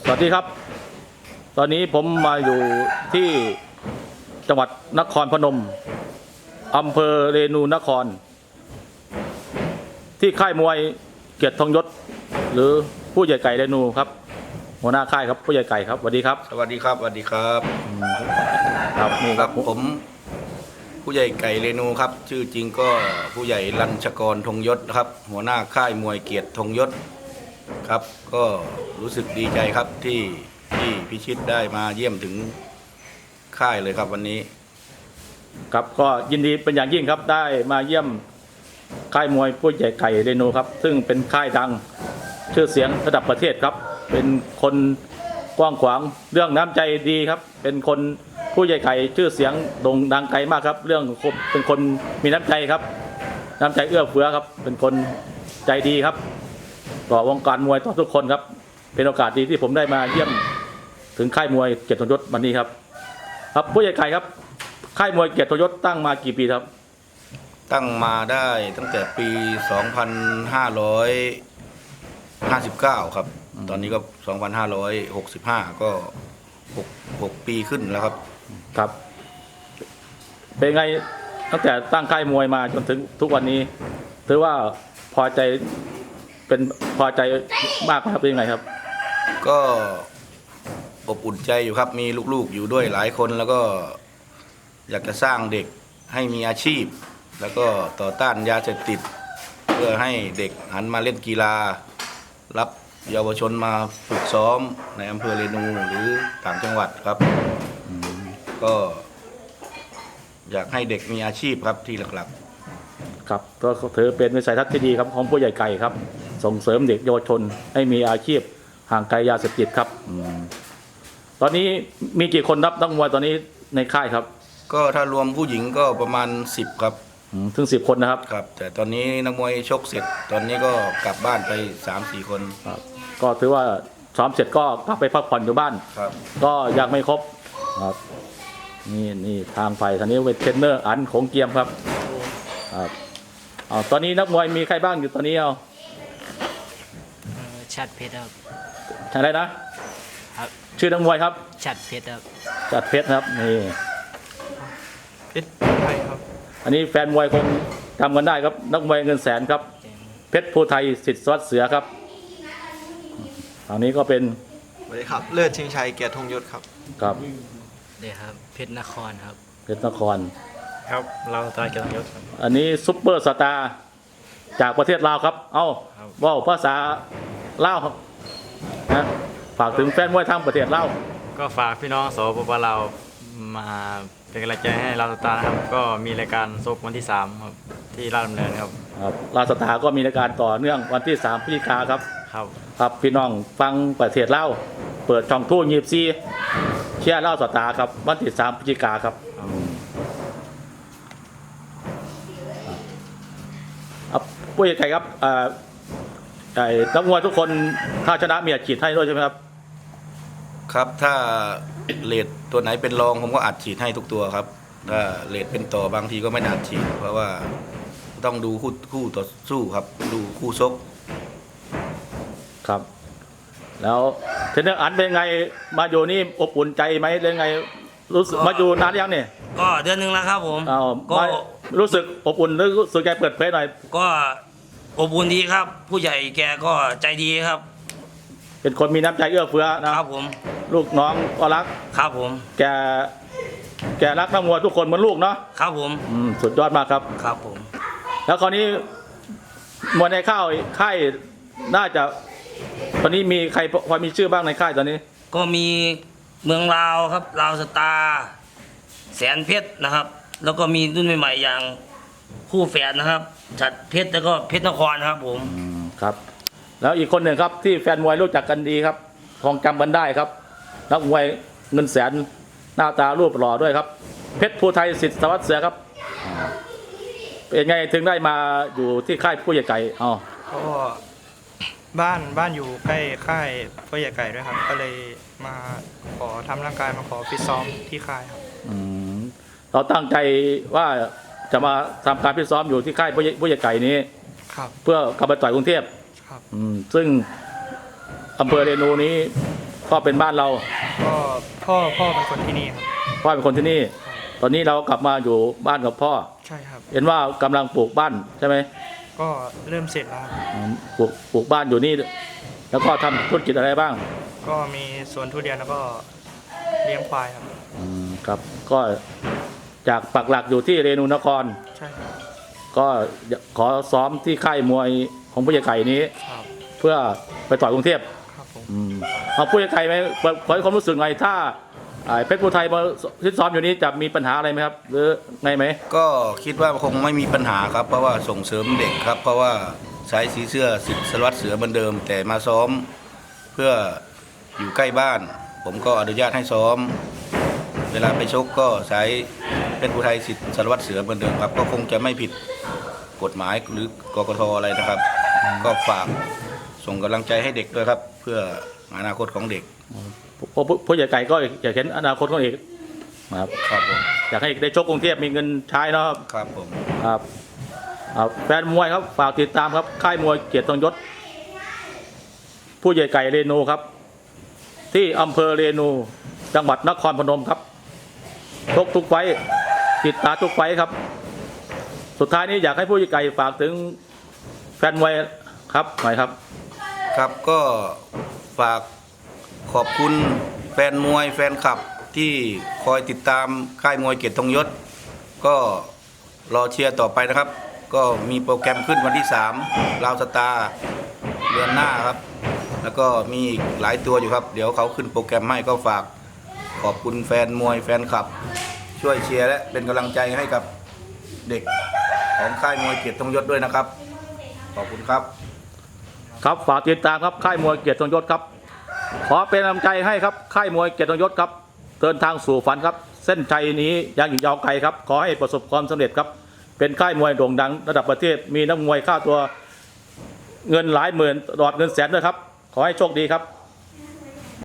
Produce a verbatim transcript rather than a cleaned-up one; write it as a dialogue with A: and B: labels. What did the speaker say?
A: สวัสดีครับตอนนี้ผมมาอยู่ที่จังหวัดนครพนมอำเภอเรนูนครที่ค่ายมวยเกียรติทองยศหรือผู้ใหญ่ไก่เรนูครับหัวหน้าค่ายครับผู้ใหญ่ไก่ครับสวัสดีครับ
B: สวัสดีครับสวัสดีครับ
A: ครับนี่ครับ
B: ผมผู้ใหญ่ไก่เรนูครับชื่อจริงก็ผู้ใหญ่รัญชกรธงยศครับหัวหน้าค่ายมวยเกียรติธงยศครับก็รู้สึกดีใจครับที่ที่พิชิตได้มาเยี่ยมถึงค่ายเลยครับวันนี้
A: ครับก็ยินดีเป็นอย่างยิ่งครับได้มาเยี่ยมค่ายมวยผู้ใหญ่ไก่เรนูครับซึ่งเป็นค่ายดังชื่อเสียงระดับประเทศครับเป็นคนกว้างขวางเรื่องน้ำใจดีครับเป็นคนผู้ใหญ่ไก่ชื่อเสียงโด่งดังไกลมากครับเรื่องเป็นคนมีน้ำใจครับน้ำใจเอื้อเฟื้อครับเป็นคนใจดีครับต่อวงการมวยต่อทุกคนครับเป็นโอกาสดีที่ผมได้มาเยี่ยมถึงค่ายมวยเกียรติทองยศวันนี้ครับครับผู้ใหญ่ไก่ครับค่ายมวยเกียรติทองยศตั้งมากี่ปีครับ
B: ตั้งมาได้ตั้งแต่ปี สองพันห้าร้อยห้าสิบเก้า ครับตอนนี้ก็ สองพันห้าร้อยหกสิบห้า ก็หกปีขึ้นแล้วครับ
A: ครับเป็นไงตั้งแต่ตั้งค่ายมวยมาจนถึงทุกวันนี้ถือว่าพอใจเป็นพอใจมากครับเป็นยังไงครับ
B: ก็อบอุ่นใจอยู่ครับมีลูกๆอยู่ด้วยหลายคนแล้วก็อยากจะสร้างเด็กให้มีอาชีพแล้วก็ต่อต้านยาเสพติดเพื่อให้เด็กหันมาเล่นกีฬารับเยาวชนมาฝึกซ้อมในอำเภอเรนูหรือต่างจังหวัดครับก็อยากให้เด็กมีอาชีพครับที่หลัก
A: ๆครับก็ถือเป็นวิสัยทัศน์ที่ดีครับของผู้ใหญ่ไก่ครับส่งเสริมเด็กเยาวชนให้มีอาชีพห่างไกลยาเสพติดครับตอนนี้มีกี่คนรับนักมวยตอนนี้ในค่ายครับ
B: ก็ถ้ารวมผู้หญิงก็ประมาณสิบครับ
A: ถึงสิบคนนะครับ
B: ครับแต่ตอนนี้นักมวยชกเสร็จตอนนี้ก็กลับบ้านไป สามสี่ คน
A: ครับก็ถือว่าซ้อมเสร็จก็กลับไปพักผ่อนอยู่บ้าน
B: ครับ
A: ก็ยังไม่ครบครับนี่นี่ทางไปทางนี้เป็นเทรนเนอร์อันของเกียมครับครับเอาตอนนี้นักมวยมีใครบ้างอยู่ตอนนี้เอา
C: ชัดเพชรครับ
A: อะไรนะครับชื่อนักมวยครับ
C: ชัดเพชรครับ
A: ชัดเพชรครับนี่
D: เพชรไทยครับ
A: อันนี้แฟนมวยคงจำกันได้ครับนักมวยเงินแสนครับเพชรภูไทยสิทธิ์สวัสดิ์เสือครับทางนี้ก็เป็น
D: สวัสดีครับเลิศชิงชัยเกียรติธงยศครับ
A: ครับ
C: เดี๋ยวครับเพชรนครครับ
A: เพชรนคร
D: ครับเราตายเกียรติธงยศครับ
A: อันนี้ซุปเปอร์สตาร์จากประเทศลาวครับเอ้าว่าวภาษาลาวครับนะฝากถึงแฟนมวยทางประเทศลาว
E: ก็ฝากพี่น้องสปปลาวมาเป็นกำลังใจให้ลาวสตาร์นะครับก็มีรายการซกวันที่สามครับที่ราชดำเนินครับ
A: ครับลาวสตาร์ก็มีรายการต่อเนื่องวันที่สามพฤศจิกายนครับ
E: ครับ
A: ครับพี่น้องฟังประเทศลาวเปิดช่องทู่ยีบซีเชียร์ลาวสตาร์ครับวันที่สามพฤศจิกายนครับครับผู้ใหญ่ไก่ครับไอ้นักมวยทุกคนถ้าชนะมีอัดฉีดให้ด้วยใช่ไหมครับ
B: ครับถ้าเลทตัวไหนเป็นรองผมก็อัดฉีดให้ทุกตัวครับถ้าเลทเป็นต่อบางทีก็ไม่อัดฉีดเพราะว่าต้องดูคู่คู่ต่อสู้ครับดูคู่ชก
A: ครับแล้วเทรนเนอร์อันเป็นไงมาอยู่นี่อบอุ่นใจไหมเป็นไงรู้สึกมาอยู่นานยังเนี่ย
C: ก็เดือนหนึ่งแล้วครับผม
A: ก็รู้สึกอบอุ่นหรือรู้สึกใจเปิดเผยหน่อย
C: ก็อบอุ่นดีครับผู้ใหญ่แกก็ใจดีครับ
A: เป็นคนมีน้ำใจเอื้อเฟื้อนะครับ
C: ผม
A: ลูกน้องก็รัก
C: ครับผม
A: แกแกรักนักมวยทุกคนเหมือนลูกเนาะ
C: ครับผม
A: สุดยอดมากครับ
C: ครับผม
A: แล้วคราวนี้มวยในค่ายค่ายน่าจะตอนนี้มีใครพอมีชื่อบ้างในค่ายตอนนี้
C: ก็มีเมืองลาวครับลาวสตาร์แสนเพชรนะครับแล้วก็มีรุ่นใหม่ๆอย่างคู่แฝดนะครับฉัตรเพชรแล้วก็เพชรนครครับผม
A: ครับแล้วอีกคนหนึ่งครับที่แฟนมวยรู้จักกันดีครับคงจำกันได้ครับนักมวยเงินแสนหน้าตารูปหล่อด้วยครับเพชรภูไทยสิทธิ์สวัสดิ์เสือครับเป็นไงถึงได้มาอยู่ที่ค่ายผู้ใหญ่ไก่อ๋อ
D: ก็บ้านบ้านอยู่ใกล้ค่ายผู้ใหญ่ไก่ด้วยครับก็เลยมาขอทำร่างกายมาขอฟิตซ้อมที่ค่ายครับ
A: เราตั้งใจว่าจะมาทำการฟิตซ้อมอยู่ที่ค่ายผู้ใหญ่ไก่นี้เพื่อกลับไปต่อยกรุงเทพซึ่งอำเภอเรนูนี้พ่อเป็นบ้านเรา
D: ก็พ่อพ่อเป็นคนที่นี่ครับ
A: พ่อเป็นคนที่นี่ ตอนนี้เรากลับมาอยู่บ้านกับพ่อ
D: ใช่ครับ
A: เห็นว่ากำลังปลูกบ้านใช่ไหม
D: ก็เริ่มเสร็จแล้วครับ
A: อืมปลูกปลูกบ้านอยู่นี่ แล้วก็ทำธุรกิจอะไรบ้าง
D: ก็มีสวนทุเรียนแล้วก็เลี้ยงควายครับ
A: อืมครับก็จากปักหลักอยู่ที่เรนูนคร
D: ใช่ครับ
A: ก็ขอซ้อมที่ค่ายมวยของผู้ใหญ่ไก่นี้
D: ครับ
A: เพื่อไปต่อยกรุงเทพ
D: ครับผม
A: อืมเอาผู้ใหญ่ไก่ไหมขอให้ความรู้สึกไงถ้าอ่าเพชรภูไทยมาที่ซ้อมอยู่นี้จะมีปัญหาอะไรไหมครับ หรือไงไหม
B: ก็คิดว่าคงไม่มีปัญหาครับ เพราะว่าส่งเสริมเด็กครับ เพราะว่าใช้สีเสื้อสิทธิ์สารวัตรเสือเหมือนเดิม แต่มาซ้อมเพื่ออยู่ใกล้บ้าน ผมก็อนุญาตให้ซ้อม เวลาไปชกก็ใช้เป็นผู้ไทยสิทธิ์สารวัตรเสือเหมือนเดิมครับ ก็คงจะไม่ผิดกฎหมายหรือกกตอะไรนะครับ ก็ฝากส่งกำลังใจให้เด็กด้วยครับ เพื่ออนาคตของเด็ก
A: เพราะผู้ผู้ใหญ่ไก่ก็อยากเห็นอนาคตของเอกครับ
B: ครับผม
A: อยากให้ได้ชกกรุงเทพมีเงินใช้เนาะครับ
B: ครับผม
A: ครับครับแฟนมวยครับฝากติดตามครับค่ายมวยเกียรติทรงยศ ผู้ใหญ่ไก่เรนูครับ ที่อำเภอเรนูจังหวัดนครพนมครับชกทุกไฟต์ติดตามทุกไฟต์ครับ สุดท้ายนี้อยากให้ผู้ใหญ่ไก่ฝากถึงแฟนมวยครับหน่อยครับ
B: ครับก็ฝากขอบคุณแฟนมวยแฟนคลับที่คอยติดตามค่ายมวยเกียรติทรงยศ ก็รอเชียร์ต่อไปนะครับ ก็มีโปรแกรมขึ้นวันที่สามลาวสตาร์เดือนหน้าครับ แล้วก็มีอีกหลายตัวอยู่ครับ เดี๋ยวเขาขึ้นโปรแกรมให้ก็ฝากขอบคุณแฟนมวยแฟนคลับ ช่วยเชียร์และเป็นกำลังใจให้กับเด็กของค่ายมวยเกียรติทรงยศด้วยนะครับ ขอบคุณครับ
A: ครับฝากติดตามครับค่ายมวยเกียรติทรงยศครับ ขอเป็นกำลังใจให้ครับค่ายมวยเกียรติทรงยศครับเดินทางสู่ฝันครับ เส้นชัยนี้ยังอีกยาวไกลครับ ขอให้ประสบความสำเร็จครับ เป็นค่ายมวยโด่งดังระดับประเทศมีนักมวยค่าตัวเงินหลายหมื่นตลอดเงินแสนด้วยครับ ขอให้โชคดีครับ